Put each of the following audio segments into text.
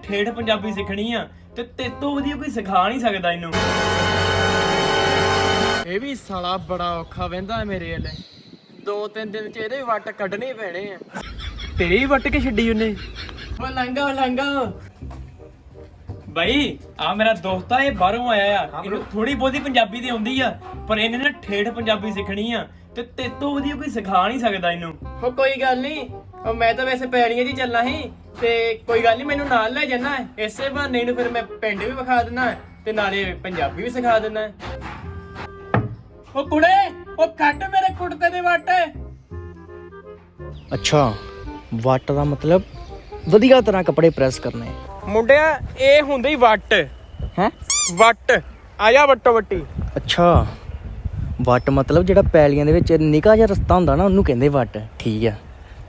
ਠੇਠ ਪੰਜਾਬੀ ਸਿੱਖਣੀ ਆ ਤੇ ਤੇਤੋਂ ਵਧੀਆ ਕੋਈ ਸਿਖਾ ਨਹੀਂ ਸਕਦਾ ਇਹਨੂੰ। ਇਹ ਵੀ ਸਾਲਾ ਬੜਾ ਔਖਾ ਵਹਿੰਦਾ ਮੇਰੇ ਵਾਲੇ। 2-3 ਦਿਨ ਚ ਇਹਦੇ ਵੱਟ ਕੱਢਣੇ ਪੈਣੇ ਆ। ਤੇਰੇ ਹੀ ਵੱਟ ਕੇ ਛੱਡੀ ਉਹਨੇ। ਉਹ ਲੰਗਾ ਬਾਈ ਆ ਮੇਰਾ ਦੋਸਤ ਆ, ਇਹ ਬਾਹਰੋਂ ਆਇਆ ਆ। ਇਹਨੂੰ ਥੋੜੀ ਬਹੁਤੀ ਪੰਜਾਬੀ ਤੇ ਆਉਂਦੀ ਆ, ਪਰ ਇਹਨੇ ਨਾ ਠੇਠ ਪੰਜਾਬੀ ਸਿੱਖਣੀ ਆ ਤੇ ਤੇਤੋਂ ਵਧੀਆ ਕੋਈ ਸਿਖਾ ਨਹੀਂ ਸਕਦਾ ਇਹਨੂੰ। ਉਹ ਕੋਈ ਗੱਲ ਨਹੀਂ, ਮੈਂ ਤਾਂ ਵੈਸੇ ਪੈੜੀਆਂ 'ਚ ਹੀ ਚੱਲਣਾ ਸੀ ਤੇ ਕੋਈ ਗੱਲ ਨਹੀਂ, ਮੈਨੂੰ ਨਾਲ ਲੈ ਜਾਣਾ। ਇਸੇ ਬਹਾਨੇ ਨੂੰ ਫਿਰ ਮੈਂ ਪਿੰਡ ਵੀ ਵਿਖਾ ਦਿੰਦਾ ਤੇ ਨਾਲੇ ਪੰਜਾਬੀ ਵੀ ਸਿਖਾ ਦਿੰਦਾ। ਉਹ ਕੁੜੇ, ਉਹ ਕੱਢ ਮੇਰੇ ਕੁੜਤੇ ਦੇ ਵੱਟ। ਅੱਛਾ, ਵੱਟ ਦਾ ਮਤਲਬ ਵਧੀਆ ਤਰ੍ਹਾਂ ਕੱਪੜੇ ਪ੍ਰੈਸ ਕਰਨੇ। ਮੁੰਡਿਆ ਇਹ ਹੁੰਦੀ ਵੱਟ ਹੈ। ਵੱਟ ਆਇਆ ਵੱਟੋ ਵੱਟੀ। ਅੱਛਾ, ਵੱਟ ਮਤਲਬ ਜਿਹੜਾ ਪੈਲੀਆਂ ਦੇ ਵਿੱਚ ਨਿੱਕਾ ਜਿਹਾ ਰਸਤਾ ਹੁੰਦਾ ਨਾ, ਉਹਨੂੰ ਕਹਿੰਦੇ ਵੱਟ। ਠੀਕ ਆ।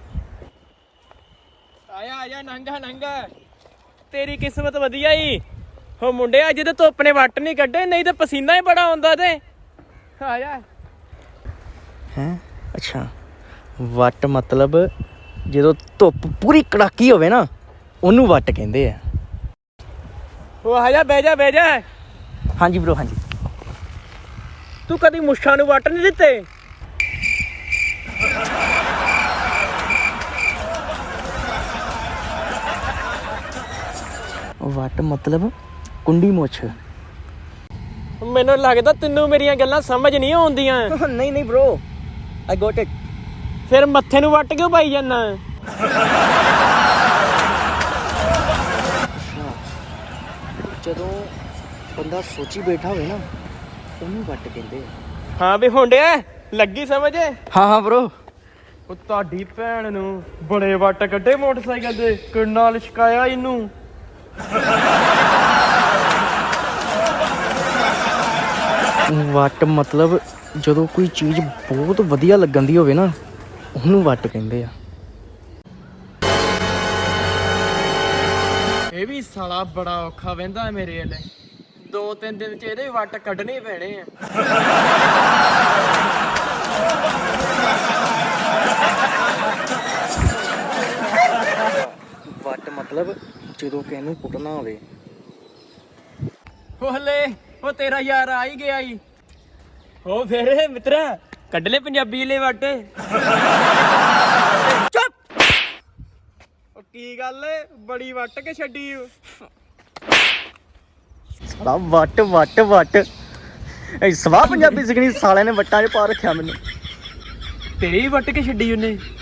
ਆਇਆ ਨੰਗਾ ਤੇਰੀ ਕਿਸਮਤ ਵਧੀਆ ਈ। ਹੋ ਮੁੰਡਿਆ ਅੱਜ ਤੇ ਧੁੱਪ ਨੇ ਵੱਟ ਨਹੀਂ ਕੱਢੇ, ਨਹੀਂ ਤੇ ਪਸੀਨਾ ਹੀ ਬੜਾ ਆਉਂਦਾ ਤੇ। ਆਇਆ ਹੈ। ਅੱਛਾ, ਵੱਟ ਮਤਲਬ ਜਦੋਂ ਧੁੱਪ ਪੂਰੀ ਕੜਾਕੀ ਹੋਵੇ ਨਾ, ਉਹਨੂੰ ਵੱਟ ਕਹਿੰਦੇ ਆ। ਉਹ ਆਇਆ ਬਹਿ ਜਾ। ਹਾਂਜੀ ਬ్రో, ਹਾਂਜੀ। ਤੂੰ ਕਦੀ ਮੁੱਛਾਂ ਨੂੰ ਵੱਟ ਨਹੀਂ ਦਿੱਤੇ? ਵੱਟ ਮਤਲਬ ਕੁੰਡੀ ਮੁੱਛ। ਮੈਨੂੰ ਲੱਗਦਾ ਤੈਨੂੰ ਮੇਰੀਆਂ ਗੱਲਾਂ ਸਮਝ ਨਹੀਂ ਆਉਂਦੀਆਂ। ਨਹੀਂ bro, I got it। ਫਿਰ ਮੱਥੇ ਨੂੰ ਵੱਟ ਕਿਉਂ ਪਾਈ ਜਾਂਦਾ? ਜਦੋਂ ਬੰਦਾ ਸੋਚੀ ਬੈਠਾ ਹੋਵੇ ਨਾ, ਉਹਨੂੰ ਵੱਟ ਕਹਿੰਦੇ ਆ। ਹਾਂ ਵੀ ਮੁੰਡਿਆ ਲੱਗੀ ਸਮਝ? ਹਾਂ bro। ਉਹ ਤੁਹਾਡੀ ਭੈਣ ਨੂੰ ਬੜੇ ਵੱਟ ਕੱਢੇ ਮੋਟਰਸਾਈਕਲ ਦੇ, ਕਿੰਨਾ ਲਿਸ਼ਕਾਇਆ ਇਹਨੂੰ। ਵੱਟ ਮਤਲਬ ਜਦੋਂ ਕੋਈ ਚੀਜ਼ ਬਹੁਤ ਵਧੀਆ ਲੱਗਣ ਦੀ ਹੋਵੇ ਨਾ, ਉਹਨੂੰ ਵੱਟ ਕਹਿੰਦੇ ਆ। ਇਹ ਵੀ ਸਾਲਾ ਬੜਾ ਔਖਾ ਵਹਿੰਦਾ ਮੇਰੇ ਵਾਲੇ। 2-3 ਦਿਨ ਚ ਇਹਦੇ ਵੱਟ ਕੱਢਣੇ ਪੈਣੇ ਆ। ਵੱਟ ਮਤਲਬ ਜਦੋਂ ਕਿਸੇ ਨੂੰ ਕੁੱਟਣਾ ਹੋਵੇ। ਉਹ ਤੇਰਾ ਯਾਰ ਆ ਹੀ ਗਿਆ ਈ। ਹੋ ਫੇਰ ਮਿੱਤਰਾ ਕੱਢ ਲੈ ਪੰਜਾਬੀ ਲੈ ਵੱਟ। ਚੁੱਪ। ਉਹ ਕੀ ਗੱਲ ਏ, ਬੜੀ ਵੱਟ ਕੇ ਛੱਡੀ? ਸਾਲਾ ਵੱਟ ਸਵਾਹ ਪੰਜਾਬੀ ਸਿੱਖਣੀ, ਸਾਲਿਆਂ ਨੇ ਵੱਟਾਂ 'ਚ ਪਾ ਰੱਖਿਆ ਮੈਨੂੰ। ਤੇਰੀ ਵੱਟ ਕੇ ਛੱਡੀ ਉਹਨੇ।